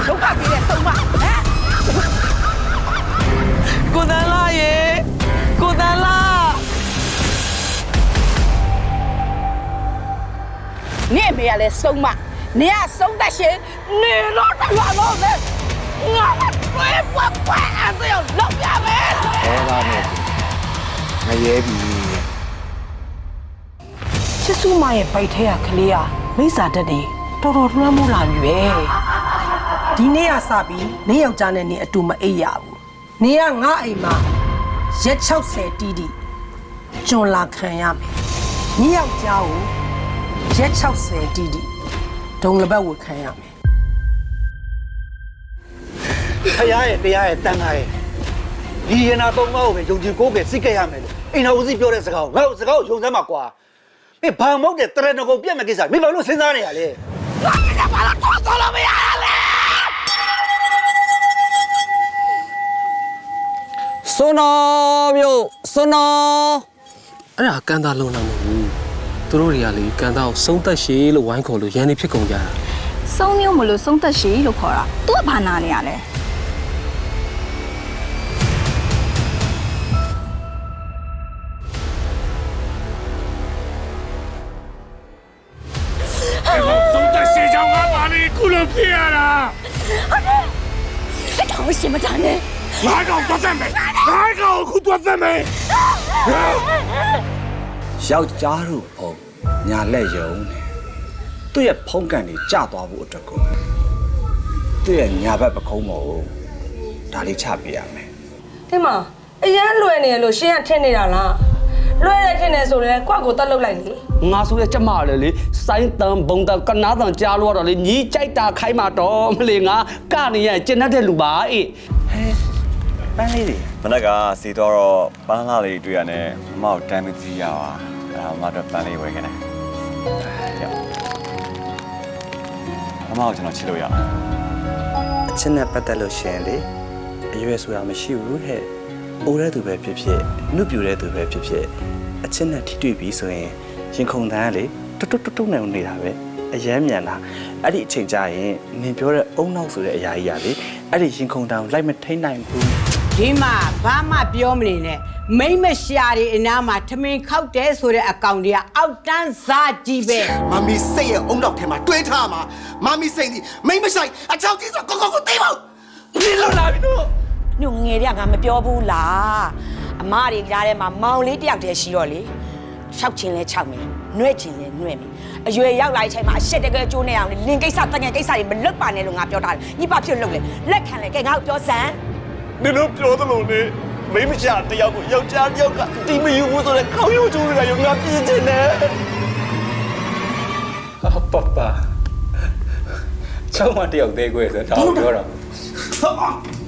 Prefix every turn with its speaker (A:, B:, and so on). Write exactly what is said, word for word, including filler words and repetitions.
A: ဒုက္ခကြီးတဲ့ဆုံးမဟမ်ကိုတန်းလာရေကိုတန်းလာနေမေရလဲဆုံးမနေရဆုံးတတ်ရှင်နေတော့တရွာလို့ပဲငါဘယ်ဘွားဘွားအဲ့ဒါလောက်ရမယ်
B: အဲဒါနဲ့ငရဲပြီ
A: ချစ်စုမရဲ့ဗိုက်ထဲကကလေးဟာမိစ္ဆာတက်တယ်တော်တော်လွှမ်းမိုးလာပြီပဲဒီနေ့ကစပြီးနေယောက်ျားနဲ့နေအတူမအိပ်ရဘူးနေကငါအိမ်မှာရက်၆၀တီးတီးကျွန်းလာခံရမယ်နေယောက်ျားကိုရက်၆၀တီးတီးဒုံလပတ်ဝတ်ခံရမယ်
B: ဖရားရဲ့တရားရဲ့တန်ခါရဲ့ဒီရနာသုံးပါးကိုပဲယုံကြည်ကိုးကယ်စိတ်ကြရမယ်လို့အိမ်တော်ဦးစီးပြောတဲ့စကားကိုငါ့စကားကိုယုံစမ်းမှာကွာမင်းဘာမဟုတ်တဲ့တရဏဂုံပြက်မဲ့ကိစ္စမင်းဘာလို့စဉ်းစားနေရလဲငါကဘာလို့ထောက်ဆောလို့မရလဲ
C: စွနော်မျိုးစွနော်
D: အဲ့ဒါကန်တာလုံးတော့မဟုတ်ဘူးသူတို့တွေကလေကန်တာကိုစုံသက်ရှည်လို့ဝိုင်းခေါ်လို့ရန်နေဖြစ်ကုန်ကြတာ
E: စုံမျိုးမလို့စုံသက်ရှည်လို့ခေါ်တာသူကဘာနာနေရလဲ
F: စုံသက်ရှည်ကြောင့်ငါပါလေခုလိုဖြစ်ရတာ
E: အဲ့ဒါကိုရှင်းမတန်းနဲ့
F: ငါကောင်သွားစမ်းမယ်ငါကောင်ခုသွားစမ်းမယ်
B: ယောက်ျားတို့ဖုံညာလက်ယုံနေသူ့ရဲ့ဖုံးကန်တွေကျသွားဖို့အတွက်ကိုသူ့ရဲ့ညာဘက်ပခုံးပေါ်ကိုဒါလေးချပေးရမယ်
A: ဒီမှာအရန်လွယ်နေရလို့ရှင်းရထင်နေတာလားလွယ်ရထင်နေဆိုလည်းကွက်ကိုတက်လုတ်လိုက်လေ
C: ငါဆိုရကျမလေလေစိုင်းတန်ဘုံတန်ကနားတန်ကြားလို့တော့လေညီးကြိုက်တာခိုင်းမှာတော့မလေငါကနေရကျင်တတ်တဲ့လူပါအေး
B: ပန်းလေးတွေ
G: မနက်ကစီတော့ပန်းလာလေးတွေ့ရနဲ့မမောက်တမ်းမကြည့်ရပါအဲ့ဒါမမတော့ပန်းလေးဝယ်ခဲ့တယ်မမောက်ကျွန်တော်ချစ်လို့ရအောင်
B: အချင်းနဲ့ပတ်သက်လို့ရှင်လေအရွယ်ဆိုတာမရှိဘူးဟဲ့အိုးတဲ့သူပဲဖြစ်ဖြစ်နှုတ်ပြူတဲ့သူပဲဖြစ်ဖြစ်အချင်းနဲ့ထိတွေ့ပြီးဆိုရင်ရင်ခုန်တန်းကလေတွတ်တွတ်တွတ်နေနေတာပဲအယမ်းမြန်တာအဲ့ဒီအချိန်ကျရင်နင်ပြောတဲ့အုံနောက်ဆိုတဲ့အရာကြီးရလေအဲ့ဒီရင်ခုန်တန်းကိုလိုက်မထိန်နိုင်ဘူး
A: ဒီမှာဘာမှပြောမနေနဲ့မိမရှာတွေအနားမှာထမင်းခောက်တယ်ဆိုတဲ့အကောင်တွေကအောက်တန်းစားကြီးပဲ
H: မမီစိတ်ရဲ့အုံနောက်ထဲမှာတွေးထားမှာမမီစိတ်ဒီမိမဆိုင်အချောက်ကြီးဆိုကိုကိုကိုသိပါဦး
B: ဒီလိုလာပြီတော့
I: ညငယ်တွေကငါမပြောဘူးလားအမတွေကြားထဲမှာမောင်လေးတယောက်တည်းရှိတော့လေရှောက်ချင်းလဲခြောက်မယ်နှွဲ့ချင်းလဲနှွဲ့မယ်အရွယ်ရောက်လာတဲ့အချိန်မှာအရှက်တကယ်ကျိုးနေအောင်လင်ကိစ္စတငယ်ကိစ္စတွေမလွတ်ပါနဲ့လို့ငါပြောတာညစ်ပါဖြစ်လို့လေလက်ခံလေကဲငါ့ကိုပြောစမ်း
G: နင်တို့ပြောသလိုနဲ့မိမရှာတယောက်ကိုယောက်ျားတယောက်ကတီမယူဘူးဆိုတဲ့ခေါင်းရိုးကျိုးတွေကရောငါပြင်းချင်တယ်
B: ဟာပပချောင်းမတယောက်သေးခွဲဆိုတော့ပြောတော့